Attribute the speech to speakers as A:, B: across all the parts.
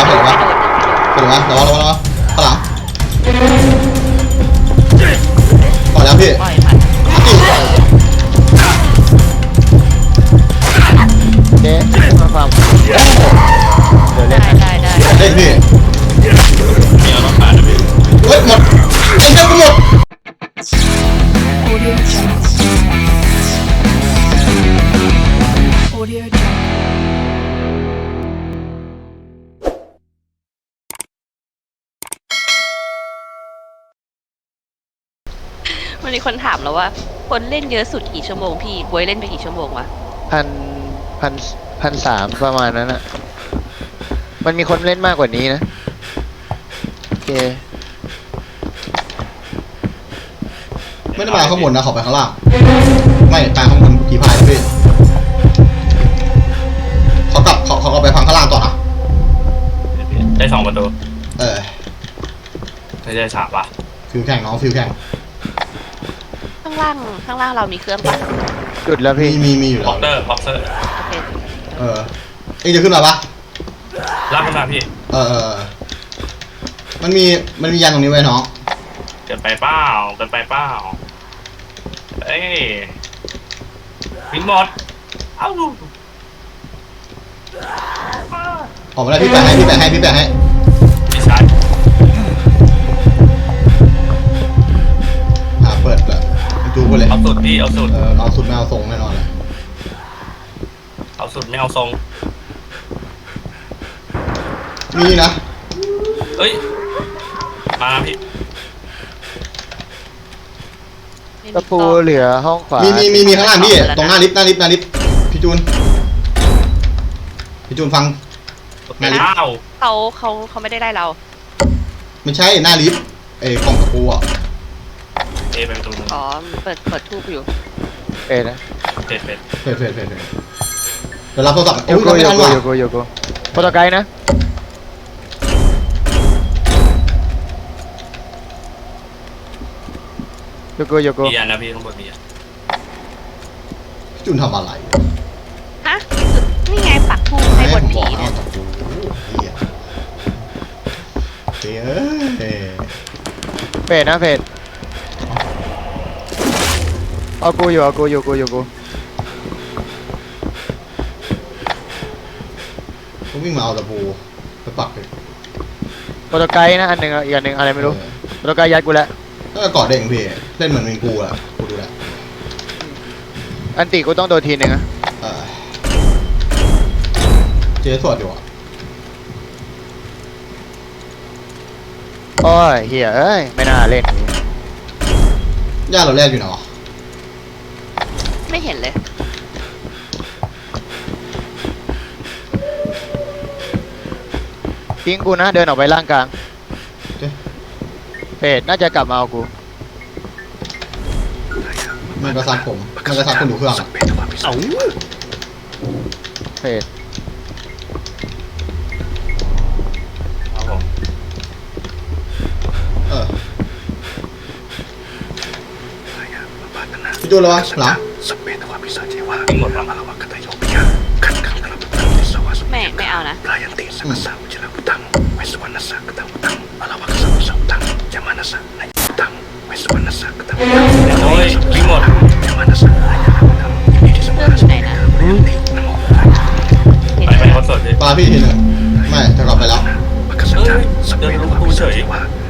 A: เห็นปะระวังข้างหลังก่อนแล้วพี่
B: ปล่อยมัน
C: เจ๊มาฟังเดี๋ยวเล่น
B: ได้
A: เล่นพี่
D: มีเอาต้องผ่านนะพี่
A: เฮ้ยหมดไอ้เจ้ากูหมด
B: มันมีคนถามแล้วว่าคนเล่นเยอะสุดกี่ชั่วโมงพี่บวยเล่นไปกี่ชั่วโมงวะ
C: 1,300ประมาณนั้นอะมันมีคนเล่นมากกว่านี้นะโอเค
A: ไม่ได้มาข้างบนนะขอไปข้างล่างไม่ไปข้างบนกี่พายนะพี่เขากลับไปพังข้างล่างต่อนะ
D: ได้2 ประตู
A: ไม่
D: ใช่3 ป่ะ
A: ฟิวแข่งน้องฟิวแข่ง
B: ข้างล่างเรามีเครื่องปะ
C: จุดแล้วพี่
A: มีอยู่แล้ว
D: พ็อกเตอร์
B: โอเค
A: เอ็งจะขึ้นมาปะ
D: ลากขึ้นมาพี่
A: มันมียันตรงนี้ไว้น้อง
D: เกินไปเปล่าเอ้ยวินหมดเอ้า
A: ออกมาได้พี่แปะให้
D: พี่ชาย
A: เปิดเลยจูไปเลย
D: เอาสุดพี่เอาสุด
A: เอาสุดไม่เอาทรงแน่นอนเลย
D: เอาสุดไม่เอาทรง
A: มีนะ
D: เฮ้ยมาพี่
C: ตะปูเหลือห้องขวา
A: มีข้างล่างพี่ตรงหน้าลิฟต์พี่จูนฟัง
D: หน้าลิฟต์
B: เขาไม่ได้ได้เรา
A: ไม่ใช่หน้าลิฟต์กล่องตะปูอ่ะ
D: เป็นประตู
B: อ๋อเปิดทูบอยู่
C: นะ
D: เฟด
A: เดี๋ยวรับโทรศัพท์
C: โยโกโปรโตไกด์นะโยโก
D: มีอันนะพี่ข้างบนมีอัน
A: พี่จูนทำอะไร
B: ฮะนี่ไงปักทูบในบนผีเนี่ย
C: เฟดนะเฟดเอากูอยู่
A: ต้องวิ่งมาเอาตะปูไปปักเลย
C: โปรโตไกด์นะอันหนึ่งอีกอันหนึ่งอะไรไม่รู้โปรโตไกด์ยัดกูแล้ว
A: ก็กอดเด้งพี่เล่นเหมือนเป็นกูอ่ะกูดูแล
C: อันติกูต้องโดนทีนึงอะ
A: เจ๊สวดอยู่อ่ะ
C: โอ้ยเฮียเอ้ยไม่น่าเล่น
A: ย่าเราแรกอยู่ไหนวะ
B: ไม่เห็นเลย
C: ทิ้งกูนะเดินออกไปล่างกลางเฟดน่าจะกลับมาเอากู
A: มันกระซับคนดูเครื่อง
C: เฟด
A: พี่จูนแล้ววะหลัง
B: ไม่เอานะ
D: โอ้ยวิ่งหมด
B: เครื่องอยู่ไหนนะ
D: ไปคอนเสิร์ตดิ
A: ปาพี่ทีหนึ่งไม่จะกลับไปแล้ว
D: เดินลุกตูเฉย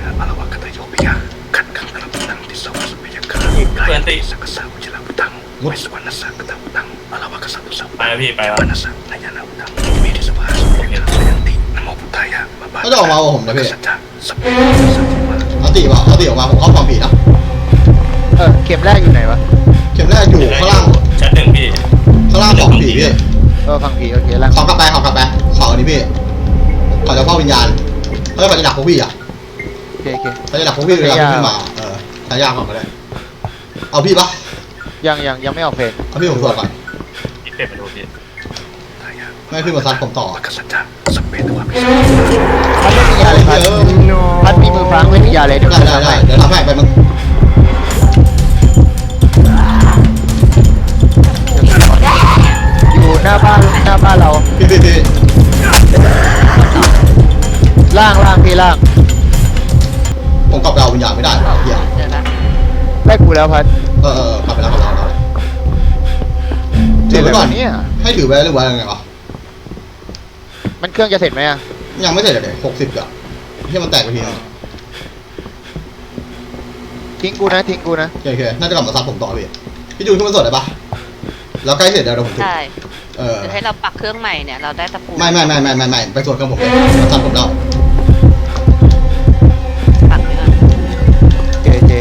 D: เพื่อนตีไปแล้วพี่ไปแล้ว
A: เขาจะออกมาผมนะพี่เอาตีออกมาผมเข้าความผิดนะ
C: เข็มแรกอยู่ไหนวะ
A: เข็มแรกอยู่ข้างล่าง
D: ชั้น 1พี่
A: ข้างล่างของผีพี่
C: ฟังผีโอเคแล้ว
A: เขากลับไปเขาอันนี้พี่เขาจะเฝ้าวิญญาณเขาจะดักพวกพี่อ่ะ
C: โอเค
A: เขาจะดักพวกพี่เวลาขึ้นมาใช้ยากก่อนก็ได้เอาพี่ปะ
C: ยังไม่ออกเพลง
A: เอาพี่ผมตรวจก่อน
D: พี่เป็ดมาดูพี่
A: ไม่ขึ้นมาซัดผมต่อ
C: พัดมีมือฟางไม่มียาเลยเดี๋ยว
A: ได้เดี๋ยวทำให้ไปมึง
C: อยู่หน้าบ้านเรา
A: พี่
C: ล่างพี่ล่าง
A: ผมกลับไปเอาวิญญาณไม่ได้ว่ะเหี้ย
B: เจอละ
C: ได้กูแล้วพัด
A: กลับไปแล้วถือไว้ก่อน
C: เนี่ย
A: ให้ถือไว้หรือว่ายังไงวะ
C: มันเครื่องจะเสร็จไหมอะ
A: ยังไม่เสร็จเลย60อ่ะที่มันแตกไปทีนึง
C: ทิ้งกูนะ
A: โอเคน่าจะกลับมาซับผมต่อพี่จูนขึ้นมาสดได้ปะแล้วใกล้เสร็จเดี๋ยวผมถือ
B: ใช่
A: เออ
B: จะให้เราปักเครื่องใหม่เนี่ยเราได้ตะปู
A: ไม่ไปสวดเครื่องผมเลยมาซับผมแล้ว
B: ปักไว้ก่อน
C: เจ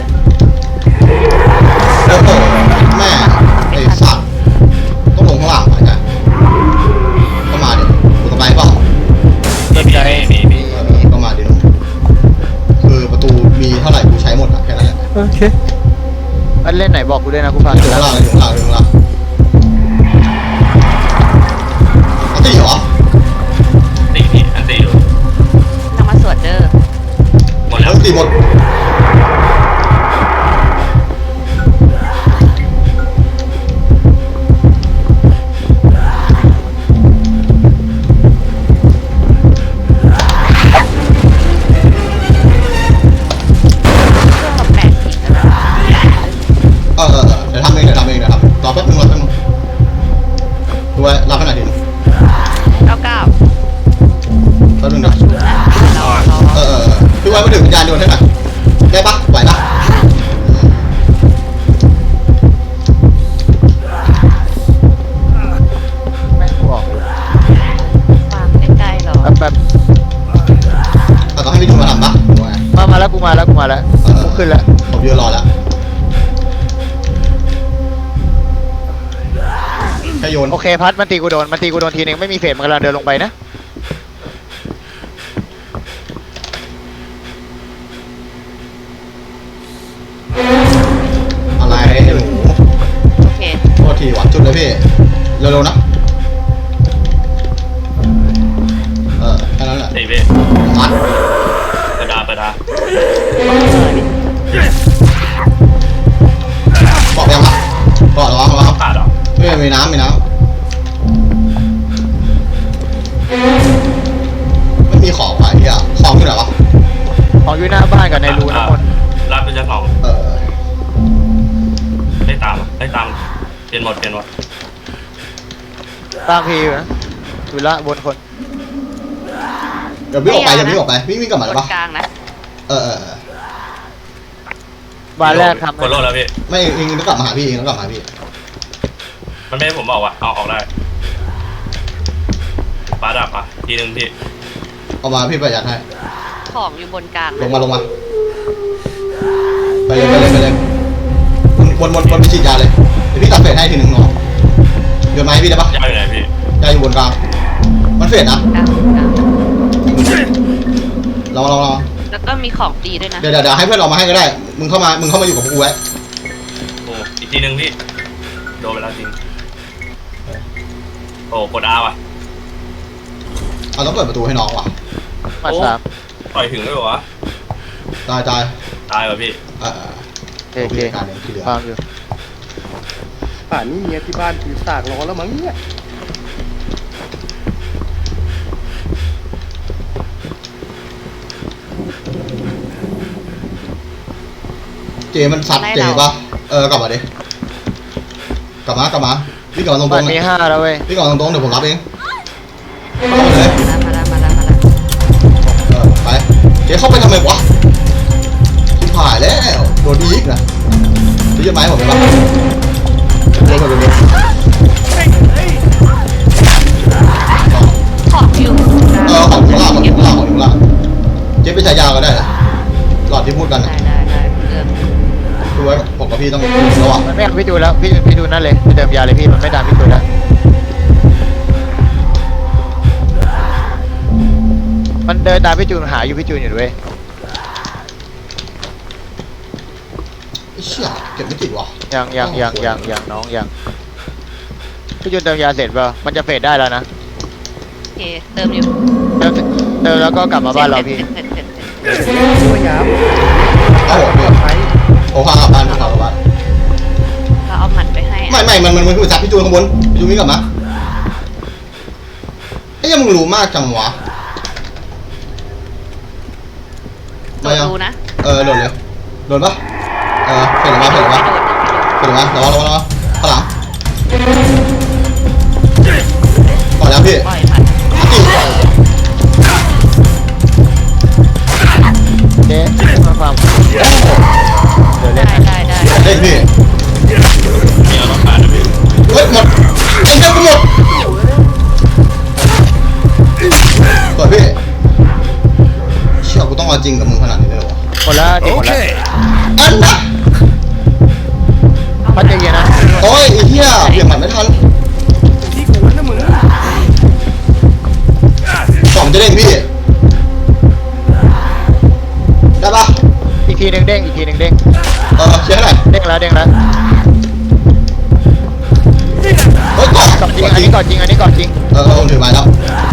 A: โอ้โหแม่ไอ้สัตว์ต้องลงข้างล่างไปจ้ะก็มาดิกูต้องไปเปล่า
D: มี
A: ก็มาดิหนุ่มคือประตูมีเท่าไหร่กูใช้หมดอ่ะแค่นั้นแหละ
C: โอเคมันเล่นไหนบอกกูด้วยนะกูฟัง
A: อยู่ข้างล่างอยู่ข้างล่างอันตีเหรอ
D: ตีพี่อันตีอยู่
B: ทำมาสวดเด้อ
D: หมดแล้ว
A: ตีหมด
B: เครื่องเรา80แล้วนะ
A: เดี๋ยวทำเองนะครับรอแป๊บนึงดูไว้รับขนาดนี้
B: 99
A: แป๊บนึงนะ
B: ชุดนะเรา
A: พี่ไว้มาถึงวิญญาณโยนให้หน่อยได้ปะไหวปะ
C: แม่งกูออก
B: วางใกล้ๆเรา
C: แบบ
A: ต้องให้พี่จูนมาทำปะ
C: มาแล้วกูขึ้นแล้ว
A: ผมยืนรอแล้วแค่โยน
C: โอเคพัดมันตีกูโดนทีนึงไม่มีเฟสมันกำลังเดินลงไปนะ
A: อะไรหนู
B: โอเค
A: โทษทีว่ะจุดเลยพี่เร็วๆนะแค่นั้นแหละ
D: ตีพี่
A: มัด
D: ประดา
A: บอกยังปะบอกระวัง
D: ขาดหรอ
A: มีน้ำไม่มีของว่ะเฮียของอยู่ไหนวะ
C: ของอยู่หน้าบ้านกับในรูน้ำมนต์
D: รับเป็นเจ้าของ ได้ตามเปลี่ยนหมด
C: ตามพีอยู่นะอยู่ละบนคน
A: เดี๋ยววิ่งออกไปวิ่งกลับมา
B: บ
A: เลย
B: น
A: ปะ
B: กลางนะ
C: บ้านแรกทำ
D: กดโลดแล้วพี่
A: ไม่เองต้องกลับมาหาพี่
D: มันไม่ให้ผมบอกว่ะเอาออกได้ปลาดับอ่ะทีนึงพี่
A: เอามาพี่ประหยัดให้
B: ของอยู่บนกลาง
A: ลงมาไปเลยวนไปฉีดยาเลยเดี๋ยวพี่ตัดเฟสให้ทีหนึ่งเนาะโยนไม้พี่ได้ปะ
D: ยาวอยู่ไหนพี่
A: ยาอยู่บนกลางมันเฟสนะ
B: กลาง
A: ลอง
B: แล้วก็มีของดีด้วยนะ
A: เดี๋ยวให้เพื่อนเรามาให้ก็ได้มึงเข้ามาอยู่กับกูไว้
D: โอ้อีกทีนึงพี่โดนไปแล้วจริงโอ้กดอาว่ะ
A: เอาต้องเปิดประตูให้น้องว่ะ
C: มาสาม
D: ปล่อยถึงด้วยวะ
A: ตาย
D: ตายว่ะพี่
C: โอเค
A: การเองที่เหลือ
C: ฟังอยู่
E: ป่านนี้เมียที่บ้านถือสากรอแล้วมั้งเนี่ย
A: เจมันซัดเจปะกลับมาดิกลับมาพี่กลับมาตรง
C: บ้านมี5แล้วเว้ย
A: พี่กลับมาตรงเดี๋ยวผมรับเองเข้ามาเลย
B: มาแล้ว
A: ไปเจ๊เข้าไปทำไมวะชิบหายแล้วโดนอีกนะจะยึดไม้ผมไปปะโดน
B: ของอยู่
A: ของข้างล่างเจ๊ไปใช้ยาก็ได้นะหลอดที่พูดกันนะ
B: ได้เรื่อง
A: ดูไว้ผมกับพี่ต้องระวัง
C: มันไม่เอาพี่ดูแล้วพี่ดูนั่นเลยพี่เติมยาเลยพี่มันไม่ตามพี่ดูแล้วมันเดินตามพี่จูนหาอยู่พี่จูนอยู่ด้วย
A: เชี่ยเก็บไม่ติดวะ
C: ยังน้องยังพี่จูนเติมยาเสร็จเปล่ามันจะเฟดได้แล้วนะ
B: โอเคเติมอยู่
C: เติมแล้วก็กลับมาบ้านเราพี่
B: เสร็จ
E: ช่วยย้
A: เอาหัวพี่
E: ำไป
A: โอ้ข้างกลับบ้านข้างกลับบ้าน
B: เราเอาหมัดไปให้
A: ไม่มันคือจับพี่จูนข้างบนพี่จูนวิ่งกลับมาไอ้ยังมึงรู้มากจังวะยัง
B: ดูนะ
A: โดดเลยโดดปะเห็นหรือเปล่าเห็นหรือเป
B: ไม่
A: ล่า
B: โดนไม่โดน
A: เห็นหรือเปล่าระวังระวังข้างหลังก่อนแล้วพี่
B: ปล่อยมัน
C: เจ๊มาฟังเดี๋ยวเล่น
B: ได้
C: นะ
B: ได้ได้
A: เฮ้ยพี่
D: มีเราต้องผ่านนะพี่
A: เฮ้ยหมดไอ้เจ้ากูหมดก่อนพี่เชี่ยกูต้องเอาจริงกับมึงขนาดนี้เลยเหรอวะ
C: หมดแล้วเด็กหมดแล้ว
A: อันนะ
C: พัดใจเย็นนะ
A: โอ้ยไอ้เหี้ยเบี่ยงหมัดไม่ทัน
E: ที่กูนะมึง
A: สองจะเด้งพี่ได้ปะ
C: อีกทีหนึ่งเด้งอีกทีหนึ่งเด้ง
A: เชียร์ให้หน่อย
C: เด้งแล้วเด้งแล้ว
A: เฮ้ยก่อน
C: ก่อนจริง
A: ก่อน
C: อัน
A: จริง
C: นี้ก่อนจริงอันนี้ก่อนจริง
A: ผมถือไม้แล้ว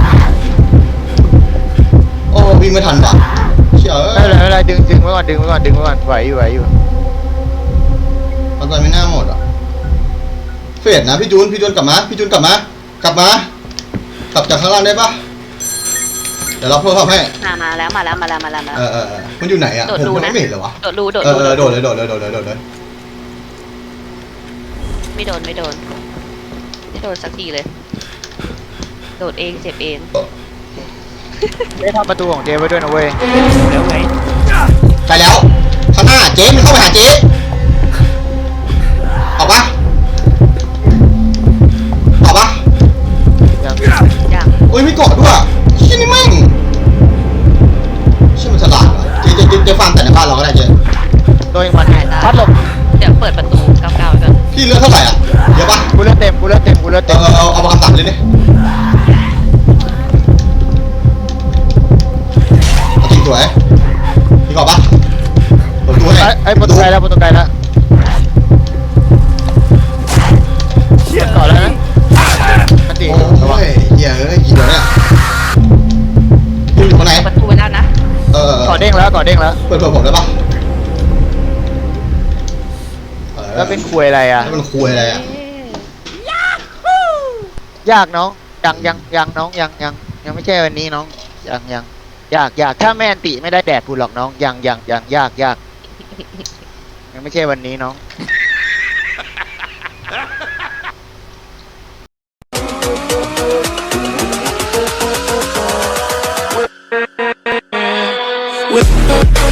A: โอ้วิ่งไม่ทันว่ะเชี่ย
C: ไม่เป็นไรไม่เป็นไรดึงไว้ก่อนดึงไว้ก่อนดึงไว้ก่อนไหวอยู่ไหวอยู่
A: เอาใจไม่น่าหมดอ่ะเฟดนะพี่จูนกลับมากลับจากข้างล่างได้ปะเดี๋ยวเราเพิ่มให้
B: มาแล้ว
A: มันอยู่ไหนอ่ะ
B: โดด
A: ผม
B: รู
A: มัน
B: นะ
A: ไม่เห็นเลยวะ
B: โดดรูโดด
A: โด
B: รู
A: ดเลย
B: ไม่โดนไม่โดนสักทีเลย โดดเองเจ็บเอง
C: ได้ทำประตูของเจ๊ไว้ด้วยนะเว้ย
D: แล้วไง
A: ใช่แล้วข้างหน้าเจ๊มันเข้าไปหาเจ๊ออกปะ
C: ยัง
B: อย่าง
A: โอ้ยไม่กอดด้วยเชี่ยนี่แม่งเชี่ยมันฉลาดว่ะเจ๊ฟังแต่ในบ้านเราก็ได้เจ๊
C: ตัวเองมันพัดหลบ
B: เดี๋ยวเปิดประตูก้าวๆก่อน
A: พี่เลือดเท่าไหร่อ่ะเยอะปะ
C: กูเลือดเต็มกูเลือดเต็มกูเลือดเต็ม
A: เอามาคำสั่งเลยดิเอาจริงสวยพี่กอดปะเปิดประตูให้
C: ไอ้ประตูไกลแล้วประตูไกลแล้วก่อนแล้วนะอันตี
A: โอ้
C: ระวัง
A: ยเหี้ยกี่เดี๋ยวเนี่ยพี่อยู่ข้างไหน
B: ประตูไว้แล้วนะ
C: ก่อนเด้งแล้วก่อนเด้งแล้ว
A: เปิดผมได้ปะ
C: แล้วเป็นควยอะไรอ่ะ
A: แล้วมันคุยอะไรอ่ะ
C: ยากน้องยังน้องยังไม่ใช่วันนี้น้องยังยากถ้าแม่นติไม่ได้แดดพูดหรอกน้องยังยากยังไม่ใช่วันนี้น้อง
F: With